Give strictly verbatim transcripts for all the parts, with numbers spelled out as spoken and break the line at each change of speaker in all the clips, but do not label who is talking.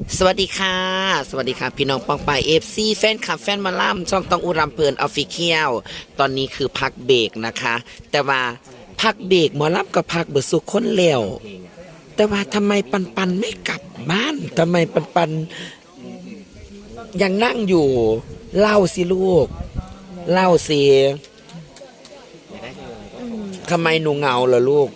สวัสดีค่ะสวัสดีค่ะพี่น้องปองปายเอฟซีแฟนคลับแฟนมาล่ำช่องต้องอุรำเพลินออฟฟิเชียลตอนนี้คือพักเบรกนะคะ แต่ว่าพักเบรกหมอล่ำกับพักเบิดสุขคนแล้วแต่ว่าทำไมปันปันไม่กลับบ้านทำไมปันปันยังนั่งอยู่เล่าสิลูกเล่าสิทำไมหนูเหงาล่ะลูก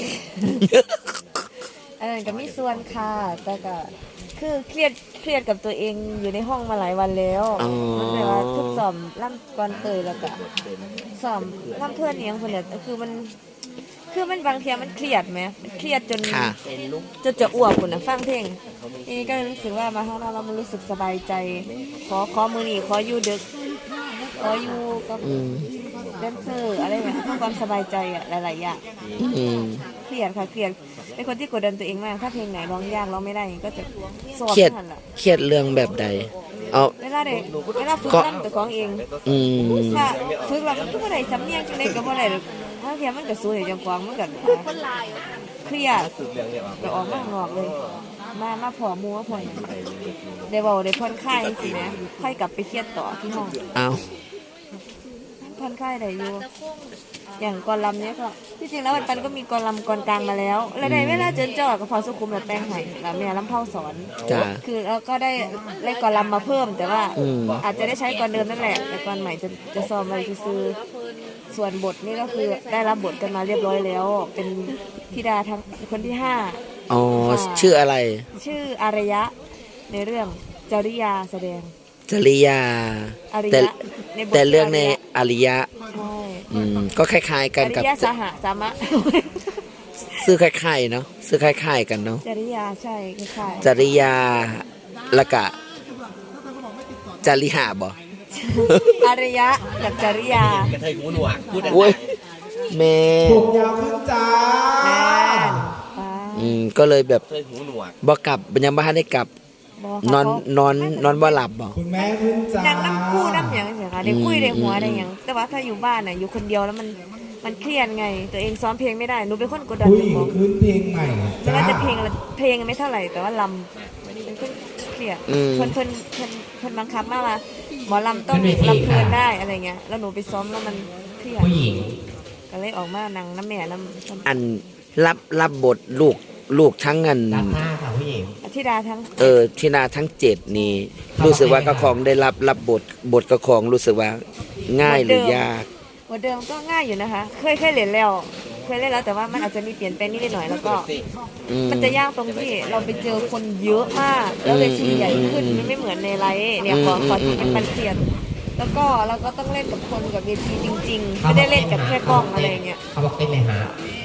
อันนั้นก็มีส่วนค่ะแต่ก็คือเครียดเครียดกับตัวเองอยู่ในห้องมาหลายวันแล้ว
อ๋อ
มันแบบว่าทุกสอบล่ำก่อนเตยแล้วก็สอบล่ำเพื่อนเนียงคนเนี่ยคือมันคือมันบางทีมันเครียดไหมมันเครียดจน
ค่ะ
จนจะอ้วกคนนะฟังเพลงทีนี้ก็รู้สึกว่ามาข้างนอกเรามันรู้สึกสบายใจ ขอขอมือนี่ขออยู่ดึกขออยู่กับ
อืม
แดนเซอร์อะไรแบบเพื่อความสบายใจอะหลายๆอย่าง
อืม
เครียดค่ะเครียดเป็นคนที่กดดันตัวเองมากถ้าเพลงไหนร้องยากร้องไม่ได้ก็จะสอบ
เครียด
ไม่ทันละ
เครียดเรื่องแบบใดเอา
เวลาเด็กเวลาฝึกนั่ตัวของเอง
อืม
ถ้าฝึกแล้วมันก็ไม่ได้สำเนียงจังไดก็บ่ได้หรอกถ้าเทียมันก็สวยจังกวางมันก็เครียดก็ออกมาข้างนอกเลย มามาพอหมูมาพอหยังได้เว้าได้ผ่อนคลายสินะค่อยกลับไปเครียดต่อที่ห้อง
เอา
ผ่อนคลายได้อยู่อย่างกอลำเนี้ยก็ที่จริงแล้ววันปันก็มีกอลำกอนกลางมาแล้ว แล้วในเวลาเจนจ่อกับพอสุขุมแบบแปลงไห้แล้วแม่ลำเผาสอน
จ้า
คือเราก็ได้ได้กอลำมาเพิ่ม แต่ว่า
อืม
อาจจะได้ใช้กอนเดิมนั่นแหละแต่กอนใหม่จะจะซ้อมไว้ซื้อส่วนบทนี่ก็คือได้รับบทกันมาเรียบร้อยแล้ว เป็นธิดาทั้งคนที่ห้า
อ๋อชื่ออะไร
ชื่ออารยะในเรื่องจริยาแสดง
จริยา
อาร
แต่
ยะในบท
แต่เรื่องใน
ชื่
อริยะ
ใช่
อืมก็คล้ายๆกัน
อ
กับ
ริยะสหสามะ
ซื้อคล้ายๆเนาะซื้อคล้ายๆกันเนาะ
จริยาใช่คล้าย
จริยาแล้วก็จริหาบ่
ๆอารยะกับจริยาก
ระเทยหูหนวกพูด
โอ้ยแม่
ผมยาวขึ้นจ้า
แม่นป้า
อืมก็เลยแบบ
กระเทยหูหนวก
บ่กลับยังบ่ทันได้กลับ
บอก
นอนนอนนอนบ่หลับบ่
คุณแม่ขึ้นจ้า
นั่งน้ำคู่น้ำหยังเสียค่ะได้คุยได้หัวได้หยังแต่ว่าถ้าอยู่บ้านน่ะอยู่คนเดียวแล้วมันมันเครียดไง ตัวเองซ้อมเพลงไม่ได้หนูเป็นคนกดดัน
ผู้
ตัว
หญิ
เอง ง
ขึ้นเพลงใหม่
ไม่
จ้า
ว่าจะเพลงอะไรเพลงไม่เท่าไหร่แต่ว่าลำเป็นคนเครียด
อืม
เพิ่นเพิ่นเพิ่นเพิ่นบังคับมากว่าหมอลำต้องลำเพลินได้อะไรเงี้ยแล้วหนูไปซ้อมแล้วมันเครียด
ผู้หญิง
ก็เลยออกมานั่งน้ำแม่น้ำ
อันรับรับบทลูกลูกทั้งอัน
รับหน้าค่ะผู้หญิง
อธิดาทั้ง
เออที่นาทั้งเจ็ดนี่ รู้สึกว่ากระคองได้รับรับบทบทกระคองรู้สึกว่าง่ายหรือยาก
หัวเดิมก็ง่ายอยู่นะคะ เคยเคยเล่นแล้ว เคยเล่นแล้วแต่ว่ามันอาจจะมีเปลี่ยนแปลงนิดหน่อยแล้วก็
อืม
มันจะยากตรงที่เราไปเจอคนเยอะมาก แล้วเวทีใหญ่ขึ้น
อืม
มันไม่เหมือนในไลฟ์เนี่ยขอ
อืม
ขอ
อืม
มันมันเปลี่ยนแล้วก็เราก็ต้องเล่นกับคนกับเวทีจริงๆไม่ได้เล่นกับแค่กล้องอะไรเงี้ย
เขาบอกเต้นเลยฮะ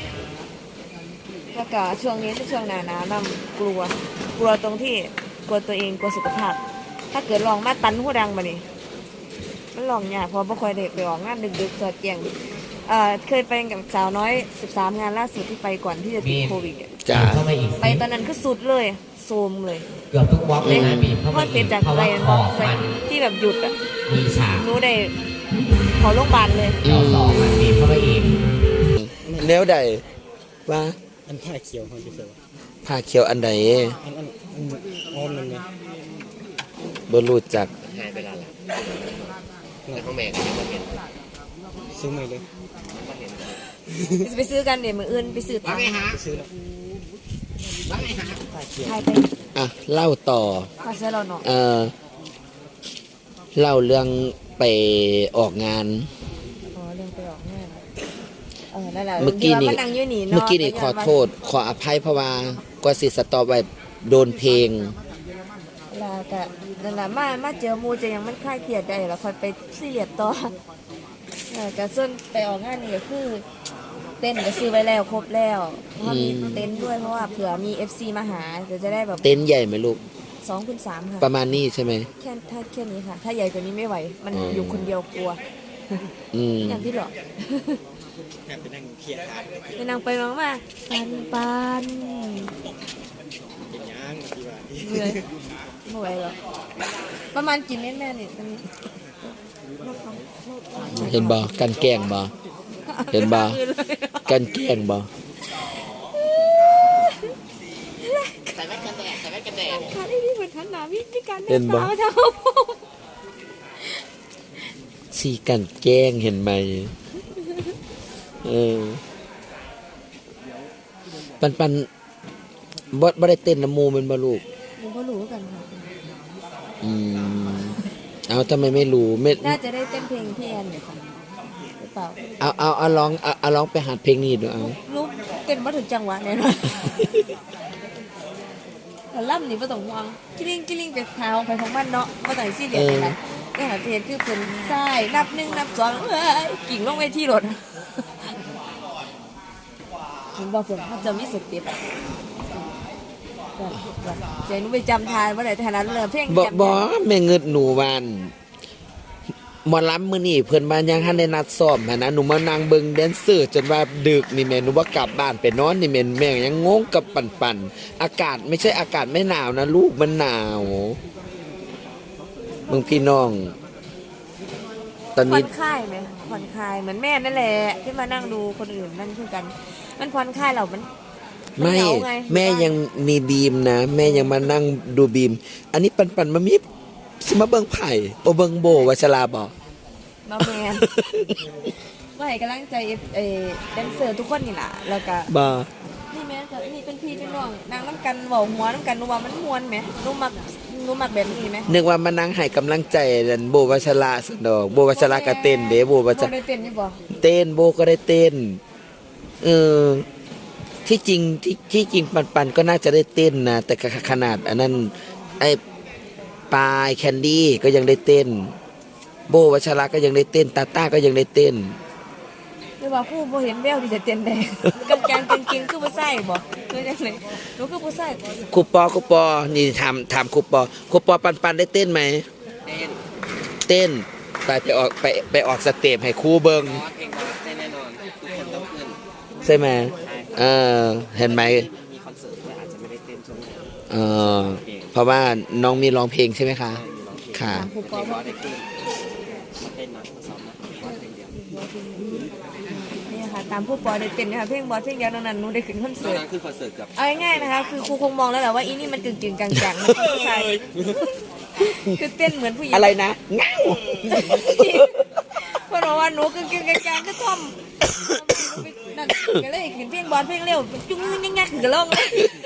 แล้วก็ช่วงนี้เป็นช่วงหนาหนาวนํกลัว กลัวตรงที่กลัวตัวเองกลัวสุขภาพ ถ้าเกิดลองมาตันหูดังมานี่มันลองยากเพราะบ่ค่อยได้ไปออกงานดึกๆสอดแจงเอ่อเคยไปกับสาวน้อยสิบสามงานล่าสุดที่ไปก่อนที่จะติดโควิดอะ
จ้า
เข้ามาอีก
ไปตอนนั้นคือสุดเลยโซมเลย
เกือบทุกวอล์กเลยนะบีบเข้า
พ
มา
อเสร็
อี
จ
ก
จาก
เพราะ
ไป
ว่าของมัน
ที่แบบหยุดอ่ะ
มีฉาก
หนูได้ขอโรงพยาบาลเลย
เราสองมันบีบเข้ามาอีก
แนวใดว่า
อันผ้าเขียวเขาจะเขียว
ผ้าเขียวอันใด
อันอันอันอ้อมนั่นไง
บ่รู้จัก
หายไปแล้วล่ะแต่เขาแม่ก็ยังไม่เห็น
ซื้อใหม่เลย
จะไปซื้อกันเดี๋ยวมืออื่นไปซื้อตังค์
ซื้อแล้ว
ใช่ไป
อ่ะเล่าต่อ
ขอเสื้อเราหน่อย
เออเล่าเรื่องไปออกงาน
อ๋อเรื่องไปออกงานเออนั่นแหละ
เมื่อกี้นี่
ดี๋ยวานั่งอยู่นี่เนาะ
เมื่อกี้นี่ขอโทษ ขออภัยเพราะว่ากว่าสิสตอไว้โดนเพลง
แล้วก็นั่นแหละมามาเจอหมูจะยังมันคลายเครียดได้แล้วค่อยไปซีเรียสต่อเออก็ส่วนไปออกงานนี่ก็คือ เต้นก็ซื้อไว้แล้วครบแล้วเพราะว่ามี
อืม
เต้นด้วยเพราะว่าเผื่อมี เอฟ ซี มาหาเดี๋ยวจะได้แบบ
เต็นท์ใหญ่ไหมลูก
สองคูณสามค่ะ
ประมาณนี้ใช่ไหม
แค่ถ้าแค่นี้ค่ะ ถ้าใหญ่กว่านี้ไม่ไหว มัน
อืม
อยู่คนเดียวกลัว
อืม
อย่างที่หรอก
แอบไปนั่งเคลียร์ขาด
ไปนั่งไปน้องมาปันปัน
เป็นย่างที่ว่า
เหนื่อยไม่ไหวหรอกประมาณกี่เม็ดแม่เนี่ยตอนนี้
เห็นบ่กันแกล้งบ่เห็นบ่กันแกล้งบ่
ใส่แว่นกันแดดใส่แว่นกันแดด
ขาดไอ้นี่มันทหันหน้ามีมีการ
เห็นบ่
สาวเท่าผม
สีกันแกล้งเห็นไหมเออปันปันบ่บ่ได้เต้นน้ำหมูแมันบ่ลูก
หนูก็รู้กันค่ะ
อืมเอาทำไมไม่รู้ไม่
น่าจะได้เต้นเพลงพี่แอนอยู่ค่ะหรือเปล่า
เอาเอาเอาร้องเอาเอาร้องไปหัดเพลงนี้ดูเอา
ลูกเต้นมาถึงจังหวะแน่นอนแต่ล่ำนี่ไม่ต้องห่วงกิ้ลิงกิ้ลิงไปเท้าไปของมันเนาะมาต่างซี่เดียวกันนี่หาเพลงคือเป็นใช่นับหนึ่งนับสองเอ้ยกิ่งลงไปที่รถเห็นบอกผมมันจะมีสเต็ปเจนุไปจำทานว่าไหนทานั้นเลยเพลง
บ่
จำ
บ่แม่เงิดหนูวานหมอลำมื้อนี้เพิ่นมายังทันได้นัดซ้อมหันนะหนูมานั่งเบิ่งแดนเซอร์จนว่าดึกนี่แม่หนูว่ากลับบ้านไปนอนนี่แม่แม่ยังงงกับปันๆอากาศไม่ใช่อากาศไม่หนาวนะลูกมันหนาวมึงพี่น้อง ตอน
ผ่อ
นี้
นคลายไหมผ่อนคลายเหมือนแม่นั่นแหละที่มานั่งดูคนอื่นนั่นคือกัน มันผ่อนคลายเรามัน
ไม่
เหงาไง
แม่ยังมีบีมนะ แม่ยังมานั่งดูบีม อันนี้ปันปันมามีสิมาเบิ่งไผ่โอเบิ่งโบวัชราบอก
มาแมนว่าให้กำลังใจเอแดนเซอร์ทุกคนนี่แหละแล้วก็
บ่
นี่แม่ก็นี่เป็นพี่เป็นน้องนางน้ำกันเบาหัวน้ำกันหนูว่ามันมวนไหมหนูมักหนูมักแบบนี้ไหม
นึกว่ามานั่งให้กำลังใจนั่นโบวัชราสนดอกโบวัชราก็เต้นเด้โบวัช
บ่
รา
ได้เต้นนี่บ่
เต้นโบก็ได้เต้น เออ ที่จริงที่ที่จริงปันปันก็น่าจะได้เต้นนะแต่ขนาดอันนั้นไอ้ปลายแคนดี้ก็ยังได้เต้น โบวัชราก็ยังได้เต้นตาต้าก็ยังได้เต้น
หรือว่าผู้บ่เห็นแววที่จะเต้นได้กางเกงกางเกงคือบ่ใส่บ่คือจังได๋หนูคือบ่ใส่
ครูปอครูปอนี่ถามถามครูปอครูปอปันปันได้เต้นไหม
เต้น
เต้นไปไปออกไปไปออกสเต็ปให้ครูเบิง
บอสเพลงบอสเต้นแน่นอนทุกคนต้องขึ้น
ใช่ไหมเออเห็นไหม
มีคอนเสิร์ตด้วยอาจจะไม่ได้เต้นช่วงนี้
เออเพราะว่าน้องมีร้องเพลงใช่ไหมคะ
มีร้องเพลง
ค่ะ
ถามผู้
เพ
ป
ล
อง
บอสได้ขึ้นมาเต้นนะมาซ้อมนะบอสเพลงเดียว
นี่ค่ะตามผู้ปอได้เต้นนะคะเพลงบอสเพลงเดียวเท่านั้นหนูได้ขึ้นคอน
ตอ
เสิ
น
ร์ต
นั้นคือคอนเสิร์ตกับ
เอาง่ายๆนะคะคือครูคงมองแล้วแหละว่าอีนี่มันกึ่งๆกลางๆมันคือผู้ชายคือเต้นเหมือนผู้หญิง
อะไรนะเงา
เพราะว่าหนูกึ่งๆกลางๆก็ท่อมนั่นก็เลยขึ้นเพลงบอสเพลงเร็วจุ้งงักๆก็ร้องเลย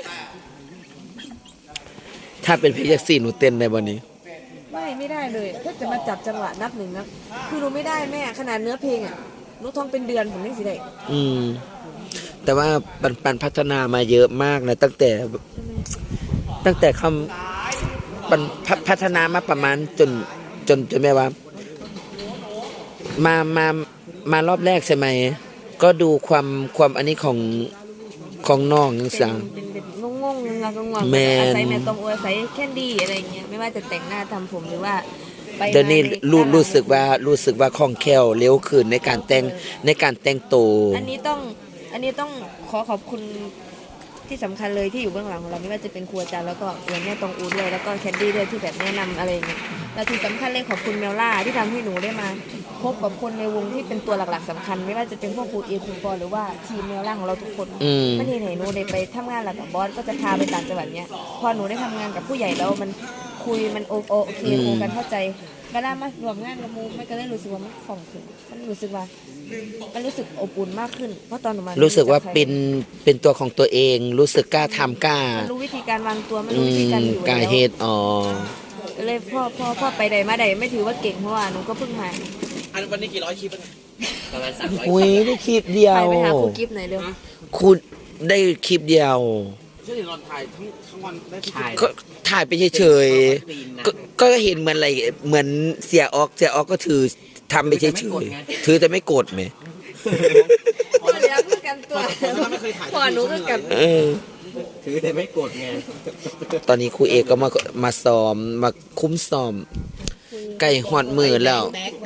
ถ้าเป็นเพลงจากสี่หนูเต้นได้บ่นี้
ไม่ไม่ได้เลยถ้าจะมาจับจังหวะนับหนึ่งนะคือหนูไม่ได้แม่ขนาดเนื้อเพลงอ่ะหนูท่องเป็นเดือนผมไม่สิได้
อืม แต่ว่าปันปันพัฒนามาเยอะมากนะตั้งแต่ ตั้งแต่คำปันพัพัฒนามาประมาณจนจนจนแม่ว่า มามามารอบแรกใช่ไหม ก็ดูความความอันนี้ของของน้องยังสั่ง
เป็นเป็นงงๆงงๆงง
แม่น
อาศัยแม่ตรงอาศัยแคนดี้อะไรอย่างเงี้ยไม่ว่าจะแต่งหน้าทำผมหรือว่าไป
เดี๋ยวนี้
งาใน
รู้
ด้นหลัง
รู้สึกว่ารู้สึกว่าคล่องแคล่วเร็วขึ้นในการแต่งในการแต่งตัว
อันนี้ต้องอันนี้ต้องขอขอบคุณที่สำคัญเลยที่อยู่เบื้องหลังของเราไม่ว่าจะเป็นครูอาจารย์แล้วก็เหมือนแม่ตรงอูดเลยแล้วก็แคนดี้ด้วยที่แบบแนะนำอะไรอย่างเงี้ยแล้วที่สำคัญเลยขอบคุณเมลล่าที่ทำให้หนูได้มาพบกับคนในวงที่เป็นตัวหลักๆสำคัญ ไม่ว่าจะเป็นพวกครูเอครูปอหรือว่าทีมเมลล่าของเราทุกคน
อืม
มันเห็นเห็นหนูได้ไปทำงานหลังกับบอสก็จะพาไปต่างจังหวัดเนี้ยพอหนูได้ทำงานกับผู้ใหญ่แล้วมันคุยมันโอโอโอเคคุยกันเข้าใจเวลามารวมงานกับมูมันก็เลยรู้สึกว่ามันคล่องขึ้นมันรู้สึกว่ามันรู้สึกอบอุ่นมากขึ้นเพราะตอนหนูมา
รู้
รู้
สึกว่าเป็นเป็นตัวของตัวเอง รู้สึกกล้าทำกล้า
มันรู้วิธีการวางตัวมัน
อื
รู้วิธี
ม
การอยู่
กล้า
แล้ว
เฮ็ดอ๋อ
ก็เลยพ่อพ่อพ่อไปใดมาใดไม่ถือว่าเก่งเพราะว่าหนูก็เพิ่งมา
อันวันนี้กี่ร้อยคลิปแล้ว
ประมาณสามร้อย
อุ้ยได้คลิปเดีย
ไป
ว
ไปหาครูกิฟต์หน่อยเร็ว
คุณได้คลิปเดียว
ช่วยรอนถ่ายทั้งทั้งวันได้ทุก
ถ่าย
ก็ถ่ายไปเฉยๆก็ก็เห็นเหมือนอะไรเหมือนเสียออกเสียออกก็ถือทำไปเฉยๆถือแต่ไม่กดไหม
พอแล้วคือกันตัวพอหนูก็กัน
เออ
ถือแต่ไม่กดไง
ตอนนี้ครูเอกก็มามาซ้อมมาคุ้มซ้อมใกล้หอดมือแล้ว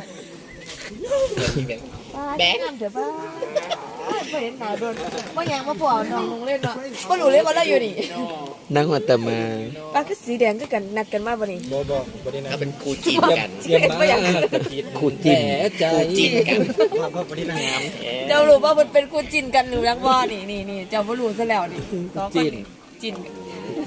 แบกเดี๋ยวป้าไม่เห็นหนาโดนว่ายังมาพอน้องลงเล่นเนาะก็รู้เลยว่าเราอยู่นี่
นั่งหัวตะมา
ป้าคือสีแดงคือกันนัดกันมาบ่นี่
บอบอบอดีนะ
ถ้าเป็นครูจีนกัน
เห็นว่าอย่าง
ครูจิ้ม
ครูจีนกัน
ภาพบอดีนะงาม
เจ้ารู้ว่ามันเป็นคู่จินกันหรือยังบ่นี่นี่นี่เจ้าบ่รู้ซะแล้วนี่สองคนนี่จินกัน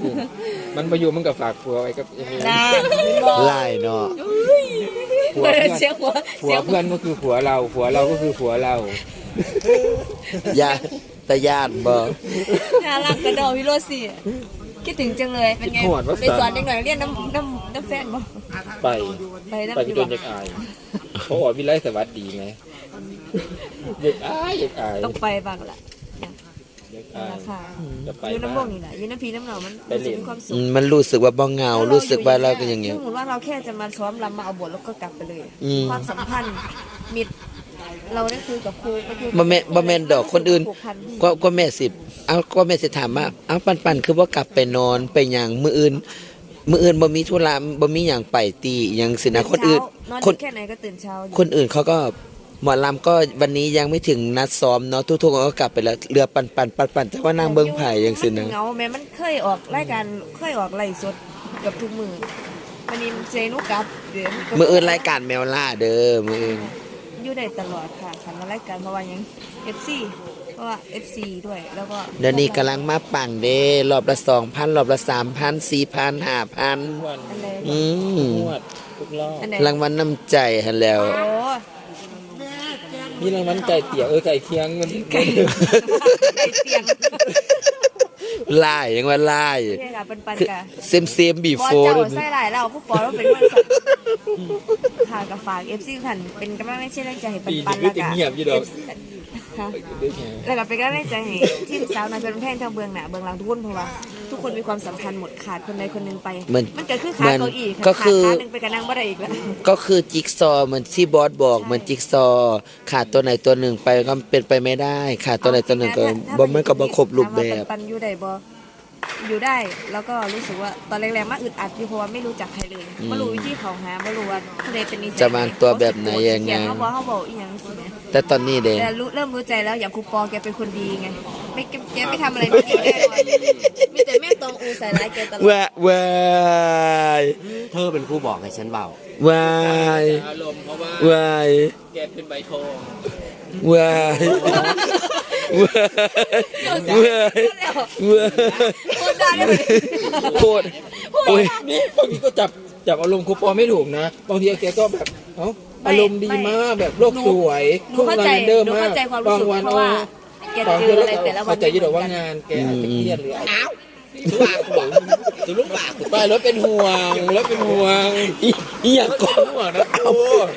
มันมาอยู่มันกับฝากผัวไว้กับยังไง
นะ
ไล่เนาะ
ผัวเพื่อน
เสียงหัว
ผัวเพื่อนก็คือผัวเราผัวเราก็คือผัวเรา
ยาตะยานบ่
น่ารักกระดอพี่โรซี่คิดถึงจังเลยเป็นไงไปสอนเด็กหน่อยเรียนน้ำน้ำน้ำแฟนบ่
ไป
ไปน้ำ
ไปก็โดนเด็กอายเพราะว่าวิไลสวัสดีไงเด็กอายเด็กอาย
ต้องไปบ้างละ
เด็ก
รา
อาย
คา
จะไป
อยู่น้ำว
บ้าง
งนี่แหละอยู่น้ำพีน้ำหนองมัน
ไป
รู้
เรี
สึก
ยน
มีความสุ
อื
ข
มมันรู้สึกว่าบ่เหงารู้สึกว่าเราก็อย่างเงี้ย
สมมติว่าเราแค่จะมาซ้อมรำมาเอาบทแล้วก็กลับไปเลย
อืม
ความสัมพันธ์มิตรเราได้คุยกับครูก็คือ
บ่แม่นบ่แม่นดอกคนอื่น
ผูกพัน
ก็ก็แม่สิเอาก็แม่สิถามว่าเอาปันปันคือว่ากลับไปนอนไปหยังมื้ออื่นมื้ออื่นบ่มีธุระบ่มีหยังไปตีหยังสินะคนอื่น
นอน
คน
แค่ไหนก็ตื่นเช้าอยู่
คนอื่นเขาก็หมอลำก็วันนี้ยังไม่ถึงนัดซ้อมเนาะทุกๆคนก็กลับไปแล้วเรือปันปันปันปันแต่ว่านางเบิ้งไผ่ยังสิ
มั
นะ
เหงาแม่มันเคยออกรายการเคยออกไลฟ์สดกับทุกมือวันนี้เจนุกลับเดี๋ยว
มื้ออื่นรายการแมวล่าเด้อมื้ออื่น
อยู่ได้ตลอดค่ะคันมารายการเพราะว่าหยัง เอฟ ซี เพราะว่า เอฟ ซี ด้วยแล้วก็
เดี๋ยวนี้กำลังมาปังเด้รอบละสองพันรอบละสามพันสี่พันห้าพัน
วัน
อันไหน
อืม
นวดทุกรอบ
อันไหน
รางวัลน้ำใจหันแล้ว
โอ้
นี่รางวัลไก่เตี๋ยวเออไก่เคียงมัน
ไก่ไก่เตียง
ลายยังว่าลาย
เรียกอะเป็นปัน
คือ
กะ
เซมเซมบี
บอ
โฟ
เจ้า
ด้วย
ใส่หลายเราผู้ปอเราเป็นคนสัตว์ค่ะกับฝาก เอฟ ซี ท่านเป็นกำลังใจให้ปัน
ปี
ปัน
นี้
แล้ว
จะ
ก็
เงียบอยู่ดอก
ค่ะแล้วก็เป็นกำลังใจให้ทีมสาวนาเป็นแพงทางเบื้องหน้าเบื้องหลังทุกคนเพราะว่าทุกคนมีความสำคัญหมดขาดคนใดคนหนึ่งไป
เหมือน
มันเกิดขึ้นขา
เหมือน
เก้าอี้ค่ะ
ก็คือ
ขาดขาหนึ่งไปกับนางบ่ได้อีกแล้ว
ก็คือจิ๊กซอว์เหมือนที่บอสบอกเหมือนจิ๊กซอว์ขาดตัวไหนตัวหนึ่งไปก็เป็นไปไม่ได้ขาดตัวไหนตัวหนึ่งก็บ่มันก็บ่ครบรูปแบบ
ถามว่าปันๆอยู่ได้บ่อยู่ได้แล้วก็รู้สึกว่าตอนแรกๆมาอึดอัดอยู่เพราะว่าไม่รู้จักใครเลยไม่รู้วิธีเขาหาไม่รู้ว่าผู้ใดเป็นนิสัย
จะวางตัวแบบไหนยังไง
เขาบอกเขาบอกอีหยังสิเนี่ย
แต่ตอนนี้เด้
แต่รู้เริ่มรู้ใจแล้วอย่างครูปอแกเป็นคนดีไงไม่แกแกไม่ทำอะไรไม่ดีแน่นอนมีแต่แม่ตองอูใส่ร้ายแกตลอด
ว้าว้าย
เธอเป็นผู้บอกให้ฉันเบา
ว้าย
อารมณ์เพราะว่า
ว้าย
แกเป็นใบทอง
ว้ายว้ายว้ายว้าย
คนด่าได้ไหม
โคตรโอ้ย
นี่บางทีก็จับจับอารมณ์ครูปอไม่ถูกนะบางทีแกก็แบบเอ้าอารมณ์ดีมากแบบโลกสวย
หนูเข้าใจ
เดิม
หนู
มาก
เข้าใจความรู้สึก
บางวัน
เพราะว่าแก
บาง
เจ
ที
ออะไรแต่ละวัน
เข้าใจอยี่ดอกว่างานแกอาจจะเครียดหรืออะไร
สุบากูบอกสุลุกบากู
ไปรถเป็นห่วงรถเป็นห่วง
อีอีหยังก็
เป็นห่วงนะครู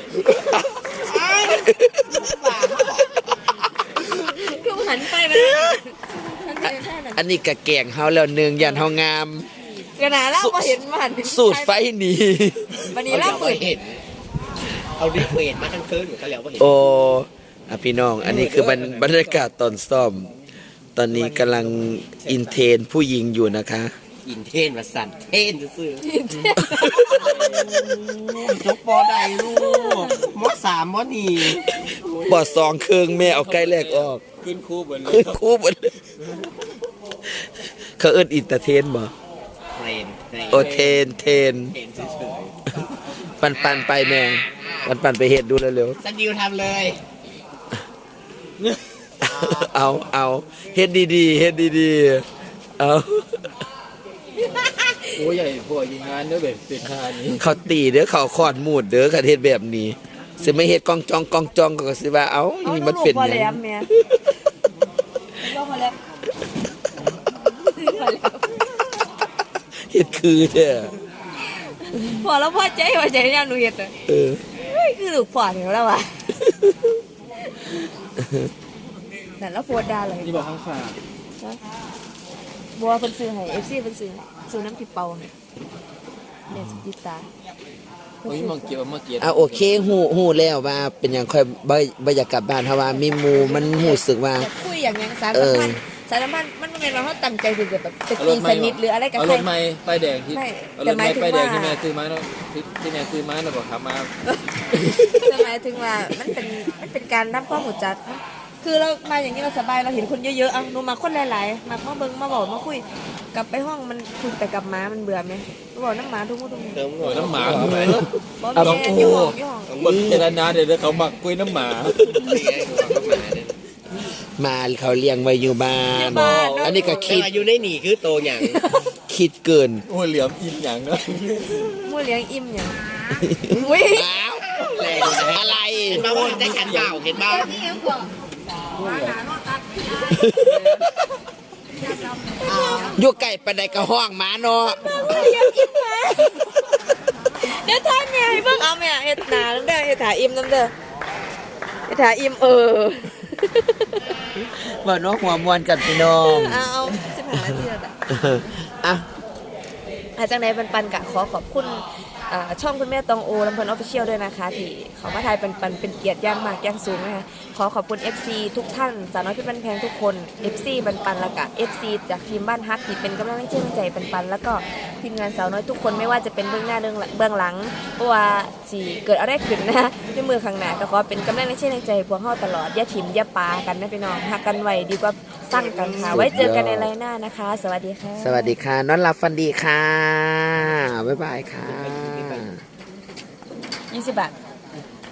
คือหันไปมันหันไปแค่นั้น
อันนี้กะแกงเฮาแล้วหนึ่งยันเฮางาม
กระนาเล่าพอเห็นมัน
สูตรไฟหนี
วันนี้เล่าหมื่น
เห็นเอารีเควสมาทั้งคืนเหมือนกันแล้วว่าเห็น
โอ้อะพี่น้อง อันนี้คือบรรบรรยากาศตอนซ่อม ตอนนี้กำลังอินเทรนผู้หญิงอยู่นะคะ
อินเทนมาสั่นเทนซื่อๆยกปอได้ลูกมอสามมอนี่
บอดสองเครื่องแม่เอาใกล้แรกออก
ขึ้นคู่เหมือนเล
ขึ้
ย
นคู่หมดเลยเขาเอิ้นอินเตอร์เทนบ่
เทรน
โอเทนเทน
เทรนเฉย
ปันปันไปแม่ปันปันไปเฮ็ดดูเร็ว
ๆสกิลทำเลย
ๆ เอาเอาเฮ็ดดีๆเฮ็ดดีๆเอา
โอ้ยใหญ่พวกยิงงานเด้อแบบสิท่านี้
เขาตีเด้อเขาขอดมูดเด้อคันเฮ็ดแบบนี้สิไม่เฮ็ดกองจองกองจองก็สิว่าเอ้า
เอา
นี่
ลู
มัน
ก
เป็น
พอ
หยั
แล้ว
ง
แม่ลูกพอแล้วพอแล้ว
เฮ็ดคือแท้
พอแล้วพอใจพอใจเนี่ยหนูเห็นเลย
เออ
เฮ้ยคือลูกพอเดี๋ยวแล้วว่ะแต่แล้วโพดดาเลย
นี่บอกข้างฝา
บัวเพิ่นซื้อให้ เอฟ ซี เพิ่นซื้อให้ซื้อน้ำพริกเป่าให้เนี่ยสิติดตา
โอ้ยมองเกี่ยวมาเกี่ยว
อ่ะโอเคฮู้ฮู้แล้วว่าเป็นหยังค่อยบ่บ่อยากกลับบ้านเพราะว่ามีหมู่มันรู้สึกว่า
แต่คุยอย่างยังสาร
เอ
สัม
อ
พันธ์สารสัมพันธ์มันไม่เป็นว่าเขาตั้งใจคือแบบจะตีสนิทหรืออะไรกับ
เอา
ใค
ร
ร
ถไม้ป้ายแดงที่
ไม่
เอา
แต่
รถ
หมา
ไม้
ยถึง
ป้ายแดง
ว่า
ที่แม่ซื้อมาเนาะที่ที่แม่ซื้อมาเนาะบอกขับมา
จะหมายถึงว่ามันเป็นมันเป็นการรับข้อมูลจัดนะคือเรามาอย่างนี้เราสบายเราเห็นคนเยอะๆอ่ะหนูมาคนหลายๆมามาเบิ่งมาบอกมาคุยกลับไปห้องมันคุยแต่กับหมามันเบื่อไหมบอกน้ำหมาทุกคนทุกคน
เติม
โอ้ยน้ำหมา
เอาไป
บอก
เอา
แม่อยู่ห้องอยู่ห้อง
คนเจรนาเดี๋ยวเขาหมักกล้วยน้ำหมา
มาเขาเลี้ยงไว้อยู่บ้าน อันนี้ก็
คิ
คิ
ด
ด
อยู่ในหนีคือโตอย่าง
คคิดเกิน
โอ้ยเหลี่ยมอินอย่างเนาะ
มู่เลี้ยงอิ่มหยังอุ้ย
อ้าวอะไรมาว่าได้ขันเปล่าเห็นบ้าอยู่ไก่ปานใดกระห้องหมาเนาะ
เลี้ยงอิ่มแม่เดี๋ยวท่านแม่ให้เบิ่งเอาแม่เฮ็ดหน้าน้ำเด้อเฮ็ดถาอิ่มน้ำเด้อเฮ็ดถาอิ่มเออ
ว่าน้องหัวมวนกันพี่น้อง
เอาเอาสิบห้านาทีแล้วจ้ะ
อ่ะ
อาจากในปันปันกะขอขอบคุณอ่าช่องคุณแม่ตองโอลำเพลินออฟฟิเชียลด้วยนะคะที่เขามาถ่ายปันปันเป็นเกียรติอย่างมากอย่างสูงนะคะขอขอบคุณ เอฟ ซี ทุกท่านสาวน้อยเพี่บันแพงทุกคน เอฟ ซี ปันปันแล้วก็ เอฟ ซี จากทีมบ้านฮักที่เป็นกำลังใจใจปันปันแล้วก็ทีมงานสาวน้อยทุกคนไม่ว่าจะเป็นเบื้องหน้าเบื้องหลังเบื้องหลังเพราะว่าสิเกิดอะไรขึ้นนะในมือข้างหน้าก็ขอเป็นกำลังใจใจพวกเฮาตลอดอย่าถิ่มอย่าปากันนะพี่น้องฮักกันไว้ดีกว่าสั้นกันค่ะไว้เจอกันในไลน์หน้านะคะ สวัสดีค่ะ
สวัสดีค่ะนอนหลับฝันดีค่ะ บ๊ายบายค่ะ
ยี่สิบบาท